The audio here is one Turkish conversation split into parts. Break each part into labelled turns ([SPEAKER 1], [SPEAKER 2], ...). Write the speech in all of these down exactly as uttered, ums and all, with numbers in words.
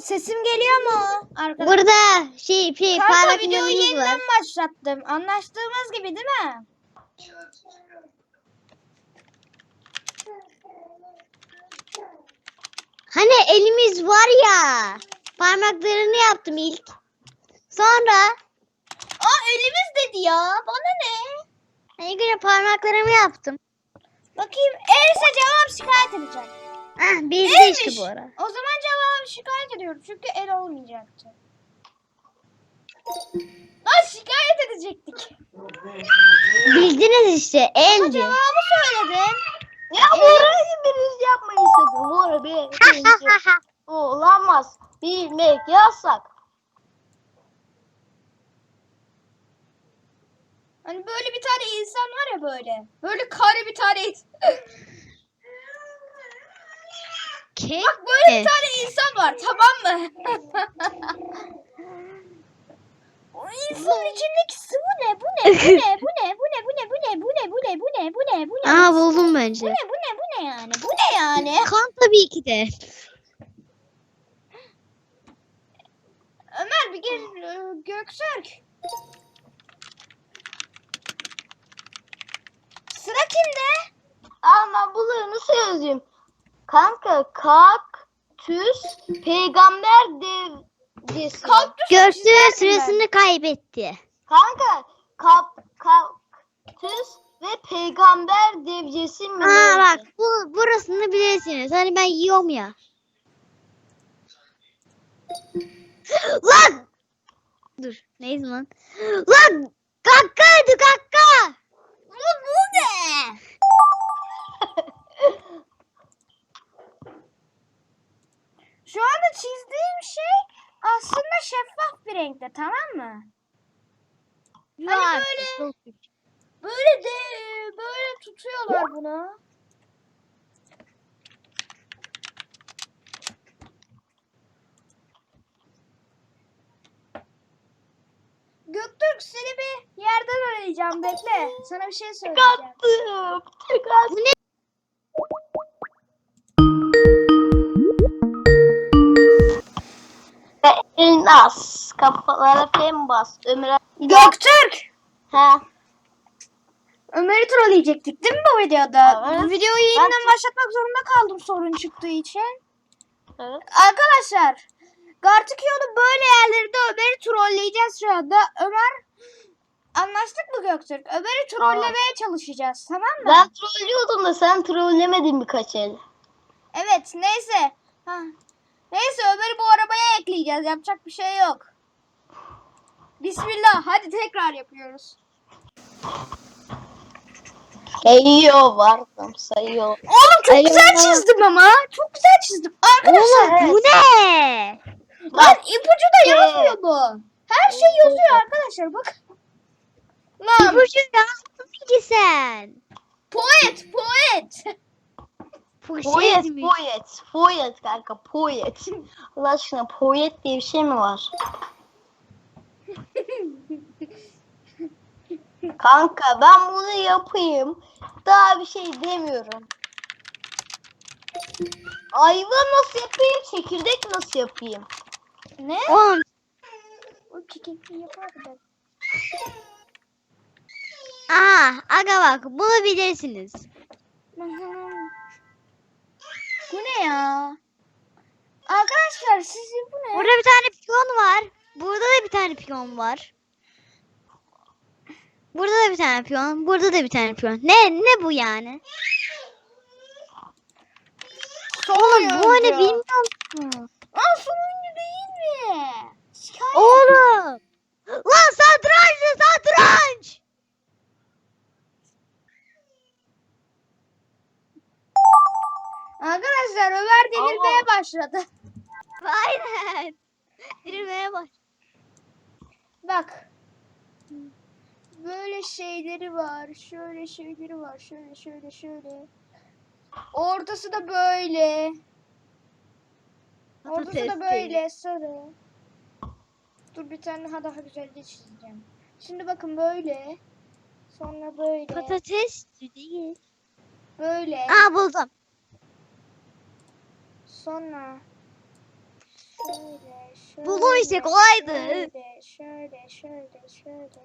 [SPEAKER 1] Sesim geliyor mu arkadaşlar?
[SPEAKER 2] Burada şey şey
[SPEAKER 1] Kanka
[SPEAKER 2] parlak
[SPEAKER 1] videoyu
[SPEAKER 2] yanımız
[SPEAKER 1] yeniden
[SPEAKER 2] var.
[SPEAKER 1] başlattım. Anlaştığımız gibi değil mi?
[SPEAKER 2] Hani elimiz var ya. Parmaklarını yaptım ilk. Sonra
[SPEAKER 1] Aa elimiz dedi ya. Bana ne?
[SPEAKER 2] hani göre parmaklarımı yaptım.
[SPEAKER 1] Bakayım else cevap şikayet edeceğim.
[SPEAKER 2] Ah bir de
[SPEAKER 1] Elmiş.
[SPEAKER 2] işte bu ara.
[SPEAKER 1] O zaman cevabı şikayet ediyorum. Çünkü el olmayacaktı. Lan şikayet edecektik.
[SPEAKER 2] Bildiniz işte
[SPEAKER 1] Ama
[SPEAKER 2] eldi.
[SPEAKER 1] cevabı söyledim.
[SPEAKER 3] Ya bu arayı biriniz yapmayın sakın. Bu ara bir birinci olamaz. Bilmek yasak.
[SPEAKER 1] Hani böyle bir tane insan var ya böyle. Böyle kare bir tane insan.
[SPEAKER 2] Ke
[SPEAKER 1] Bak böyle bir tane insan var, tamam mı? O insanın içindeki sıvı ne? Bu ne? Bu ne? Bu ne? Bu ne? Bu ne? Bu ne? Bu ne? Bu ne? Bu ne? Bu ne? Bu ne?
[SPEAKER 2] Aa buldum
[SPEAKER 1] Bu
[SPEAKER 2] bence.
[SPEAKER 1] ne? Bu ne? Bu ne yani? Bu ne yani?
[SPEAKER 2] Kan tabii ki de.
[SPEAKER 1] Ömer bir gel e, Göktürk. Sıra kimde?
[SPEAKER 3] Ama bunları nasıl yazayım? Kanka kaktüs peygamber devcisi.
[SPEAKER 1] Kaktüs
[SPEAKER 2] Göktürk sırasını kaybetti.
[SPEAKER 3] Kanka kap, kaktüs ve peygamber devcisi mi?
[SPEAKER 2] Aa
[SPEAKER 3] neydi?
[SPEAKER 2] bak bu burasını bilirsiniz. Hani ben yiyorum ya. Lan! Dur neyse lan. Lan! Kakkaydı kakka!
[SPEAKER 1] Bu, bu ne? Şu anda çizdiğim şey aslında şeffaf bir renkte, tamam mı? Hani
[SPEAKER 2] Yok,
[SPEAKER 1] böyle
[SPEAKER 2] çok-
[SPEAKER 1] böyle de böyle tutuyorlar bunu. Göktürk seni bir yerden arayacağım, bekle. Sana bir şey söyleyeceğim.
[SPEAKER 3] Kattım. Kattım.
[SPEAKER 2] Bu ne?
[SPEAKER 3] Elmas. Kafalara fen bas. Ömre.
[SPEAKER 1] Göktürk!
[SPEAKER 3] Ha.
[SPEAKER 1] Ömer'i trolleyecektik değil mi bu videoda?
[SPEAKER 3] Evet.
[SPEAKER 1] Bu videoyu yeniden
[SPEAKER 3] Ben-
[SPEAKER 1] başlatmak zorunda kaldım sorun çıktığı için.
[SPEAKER 3] Evet.
[SPEAKER 1] Arkadaşlar, Gartikio'nun böyle yerlerinde Ömer'i trolleyeceğiz şu anda. Ömer, anlaştık mı Göktürk? Ömer'i trollemeye çalışacağız, tamam mı?
[SPEAKER 3] Ben trollüyordum da sen trollemedin birkaç el.
[SPEAKER 1] Evet, neyse. Ha. Neyse Ömer'i bu arabaya ekleyeceğiz. Yapacak bir şey yok. Bismillah. Hadi tekrar yapıyoruz.
[SPEAKER 3] Sayıyor vardım sayıyor.
[SPEAKER 1] Oğlum çok
[SPEAKER 2] Alo.
[SPEAKER 1] güzel çizdim ama. Çok güzel çizdim. Arkadaşlar.
[SPEAKER 2] Oğlum bu ne?
[SPEAKER 1] Lan ipucu da
[SPEAKER 3] Evet.
[SPEAKER 1] yazmıyor bu. Her şey yazıyor arkadaşlar. Bak. Lan
[SPEAKER 2] İpucu yazdın ki sen.
[SPEAKER 1] poet poet.
[SPEAKER 2] Poşet
[SPEAKER 3] Poet,
[SPEAKER 2] mi?
[SPEAKER 3] poet, poet kanka, poet. Allah aşkına poet diye bir şey mi var? Kanka ben bunu yapayım. Daha bir şey demiyorum. Ayva nasıl yapayım? Çekirdek nasıl yapayım?
[SPEAKER 1] Ne?
[SPEAKER 2] Oğlum
[SPEAKER 1] O kekikli yapardı ben.
[SPEAKER 2] aha aga bak bunu bilirsiniz.
[SPEAKER 1] Bu ne ya? Arkadaşlar sizin bu ne?
[SPEAKER 2] Burada bir tane piyon var. Burada da bir tane piyon var. Burada da bir tane piyon. Burada da bir tane piyon. Ne ne bu yani? Oğlum bu hani bilmiyor musun?
[SPEAKER 1] Aa son oyuncu değil mi? Şikayet.
[SPEAKER 2] Oğlum. Lan satranç satranç.
[SPEAKER 1] Arkadaşlar Ömer delirmeye
[SPEAKER 3] Aa.
[SPEAKER 1] başladı.
[SPEAKER 2] Aynen. Girmeye bak.
[SPEAKER 1] Bak. Böyle şeyleri var. Şöyle şeyleri var. Şöyle şöyle şöyle. Ortası da böyle. Ortası da böyle sarı. Dur bir tane daha daha güzel de çizeceğim. Şimdi bakın böyle. Sonra böyle.
[SPEAKER 2] Patates değil.
[SPEAKER 1] Böyle.
[SPEAKER 2] Aa buldum.
[SPEAKER 1] Sonra şöyle. şöyle,
[SPEAKER 2] Buldum işte, kolaydı.
[SPEAKER 1] Şöyle, şöyle, şöyle, şöyle.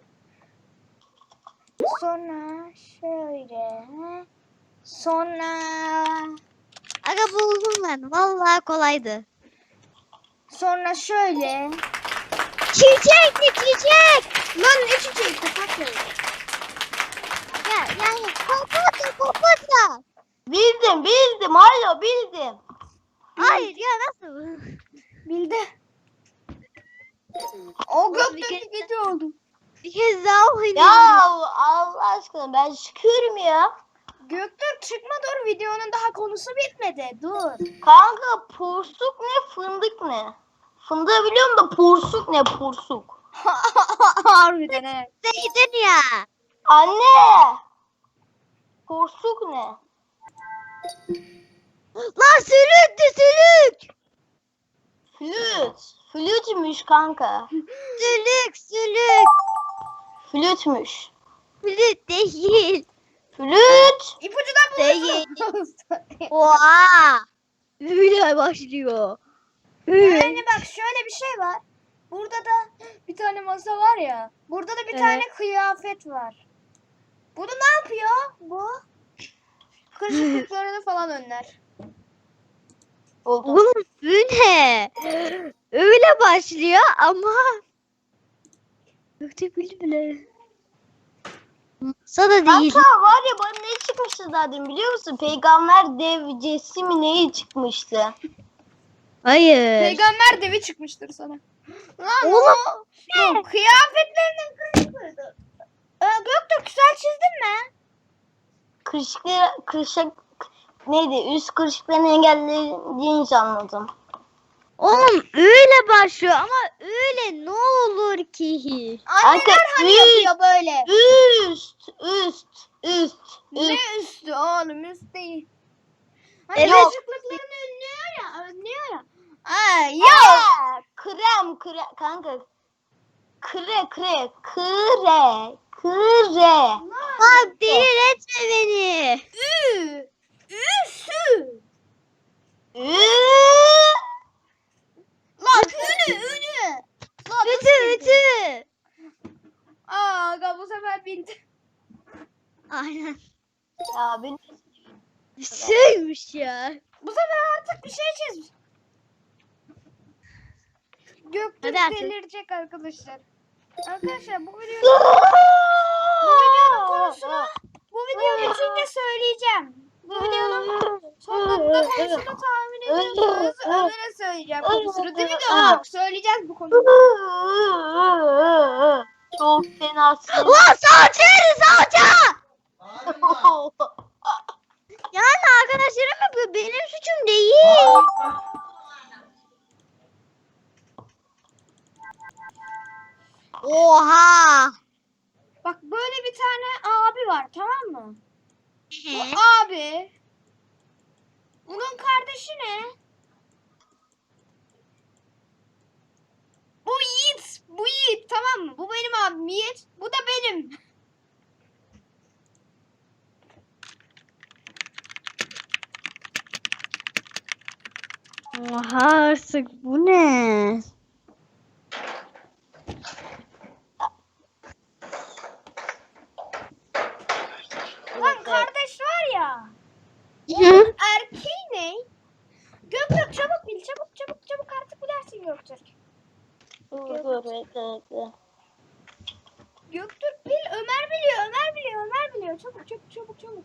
[SPEAKER 1] Sonra şöyle. Sonra
[SPEAKER 2] Aga buldum ben. Vallahi kolaydı.
[SPEAKER 1] sonra şöyle.
[SPEAKER 2] Çiçek ne çiçek?
[SPEAKER 1] Lan ne çiçeği kapatma.
[SPEAKER 2] Ya yani papatya papatya.
[SPEAKER 3] Bildim bildim. Alo bildim.
[SPEAKER 2] Hayır ya nasıl?
[SPEAKER 1] Bildi. O
[SPEAKER 2] Bir
[SPEAKER 1] gökteki
[SPEAKER 2] kez-
[SPEAKER 1] gece oldu.
[SPEAKER 2] Bir kez daha oynayalım.
[SPEAKER 3] Ya Allah aşkına ben çıkıyorum ya.
[SPEAKER 1] Göktürk çıkma dur, videonun daha konusu bitmedi. Dur.
[SPEAKER 3] Kanka porsuk ne fındık ne? Fındığı biliyorum da porsuk ne porsuk?
[SPEAKER 1] Harbiden he.
[SPEAKER 2] Zeydin ya.
[SPEAKER 3] Anne. Porsuk ne?
[SPEAKER 2] Lan sülüktü sülük.
[SPEAKER 3] Flüt. Flütmüş kanka.
[SPEAKER 2] Sülük sülük.
[SPEAKER 3] Flütmüş.
[SPEAKER 2] Flüt değil.
[SPEAKER 3] Flüt.
[SPEAKER 1] İpucu da
[SPEAKER 2] Değil.
[SPEAKER 1] bulursun.
[SPEAKER 2] Oha. Böyle başlıyor.
[SPEAKER 1] Yani bak şöyle bir şey var. Burada da bir tane masa var ya. Burada da bir
[SPEAKER 2] Evet.
[SPEAKER 1] tane kıyafet var. Bunu ne yapıyor bu? Kırışıklıklarını falan önler.
[SPEAKER 3] Buldum.
[SPEAKER 2] Oğlum bu ne? Öyle başlıyor ama Gökte bildi bile. Masa da değil.
[SPEAKER 3] Kanka var ya bana ne çıkmıştı zaten biliyor musun? Peygamber devcesi mi neyi çıkmıştı?
[SPEAKER 2] Hayır.
[SPEAKER 1] Peygamber devi çıkmıştır sana. Lan
[SPEAKER 2] Oğlum,
[SPEAKER 1] o, bu kıyafetlerinin kırışıklığıydı. Ee, Göktürk güzel çizdin mi?
[SPEAKER 3] Kırışıkları, kırışık neydi? Üst kırışıklarını engellediğini anladım.
[SPEAKER 2] Oğlum öyle başlıyor ama öyle ne olur ki?
[SPEAKER 1] Anneler
[SPEAKER 3] Kanka,
[SPEAKER 1] hani
[SPEAKER 3] üst.
[SPEAKER 1] yapıyor böyle.
[SPEAKER 3] Üst, üst, üst,
[SPEAKER 1] Ne
[SPEAKER 3] üst.
[SPEAKER 1] üstü oğlum, üst değil. Hani
[SPEAKER 2] Evet.
[SPEAKER 1] kırışıklıklarını önlüyor ya, önlüyor ya. Aa, ya.
[SPEAKER 3] Aa, krem, kre, kanka. Kre, kre, kre, kre.
[SPEAKER 2] Bak delil etme beni.
[SPEAKER 1] Ü. Üsü.
[SPEAKER 3] Ü-
[SPEAKER 1] Lan ünü, ünü. Lan nasıl
[SPEAKER 2] Ütü
[SPEAKER 1] bildin?
[SPEAKER 2] ütü.
[SPEAKER 1] Aa, aga bu sefer bildi.
[SPEAKER 2] Aynen.
[SPEAKER 3] Ya benim
[SPEAKER 2] Şeymiş ya.
[SPEAKER 1] Bu sefer artık bir şey çizmiş. Göktürk
[SPEAKER 2] Hadi artık.
[SPEAKER 1] delirecek arkadaşlar. Arkadaşlar bu videonun bu videonun konusunu bu video bitince söyleyeceğim. Bu videonun sonunda konusunu tahmin ediyorsanız Ömer'e söyleyeceğim konusunu. Değil mi Göktürk? Söyleyeceğiz bu konuyu.
[SPEAKER 3] çok fena sinir.
[SPEAKER 2] Lan salça yeri salça. Yani arkadaşlarım yapıyor. Benim suçum değil. Oha.
[SPEAKER 1] Bak böyle bir tane abi var, tamam mı? Bu
[SPEAKER 2] Hı.
[SPEAKER 1] abi. Bunun kardeşi ne? Bu Yiğit. Bu Yiğit, tamam mı? Bu benim abim Yiğit. Bu da benim.
[SPEAKER 2] Oha artık bu ne?
[SPEAKER 1] Lan kardeş var ya.
[SPEAKER 2] Hı?
[SPEAKER 1] Erkeği ne? Göktürk çabuk bil. Çabuk çabuk çabuk artık bilersin Göktürk.
[SPEAKER 3] Dur dur bekle bekle.
[SPEAKER 1] Göktürk bil. Ömer biliyor. Ömer biliyor. Ömer biliyor. Çabuk çabuk çabuk çabuk.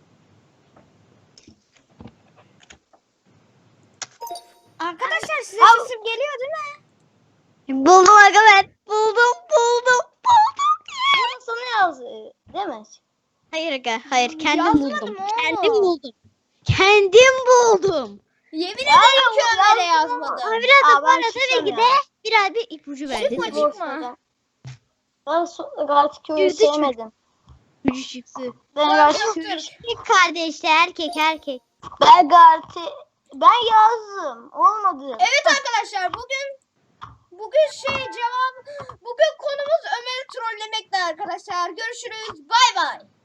[SPEAKER 1] Arkadaşlar size
[SPEAKER 3] Al.
[SPEAKER 1] sesim geliyor değil mi?
[SPEAKER 2] Buldum aga ben. Buldum buldum buldum.
[SPEAKER 3] Bunu sana yaz değil mi?
[SPEAKER 2] Hayır aga hayır kendim
[SPEAKER 1] Yazmadım
[SPEAKER 2] buldum.
[SPEAKER 1] oğlum.
[SPEAKER 2] Kendim buldum. Kendim buldum.
[SPEAKER 1] Yemin
[SPEAKER 3] Ya
[SPEAKER 1] ederim ki
[SPEAKER 3] bu
[SPEAKER 1] Ömer'e
[SPEAKER 3] yazdım.
[SPEAKER 1] yazmadım.
[SPEAKER 2] Ama biraz
[SPEAKER 3] Aa,
[SPEAKER 2] da
[SPEAKER 3] ben
[SPEAKER 2] bana tabii
[SPEAKER 3] çıkıyorum
[SPEAKER 2] ki
[SPEAKER 3] ya.
[SPEAKER 2] de biraz bir ipucu verdi.
[SPEAKER 1] Çıkma,
[SPEAKER 2] Tabii.
[SPEAKER 1] çıkma.
[SPEAKER 3] Ben so- Galatasaray
[SPEAKER 2] Yüzü çık.
[SPEAKER 3] sevmedim.
[SPEAKER 2] İpucu çıktı.
[SPEAKER 3] Ben
[SPEAKER 1] Lan
[SPEAKER 3] Galatasaray
[SPEAKER 1] Göktürk.
[SPEAKER 2] Erkek kardeşler erkek erkek.
[SPEAKER 3] ben Galatasaray ben yazdım. Olmadı.
[SPEAKER 1] Evet arkadaşlar, bugün bugün şey cevap bugün konumuz Ömer'i trollemekti arkadaşlar. Görüşürüz. Bay bay.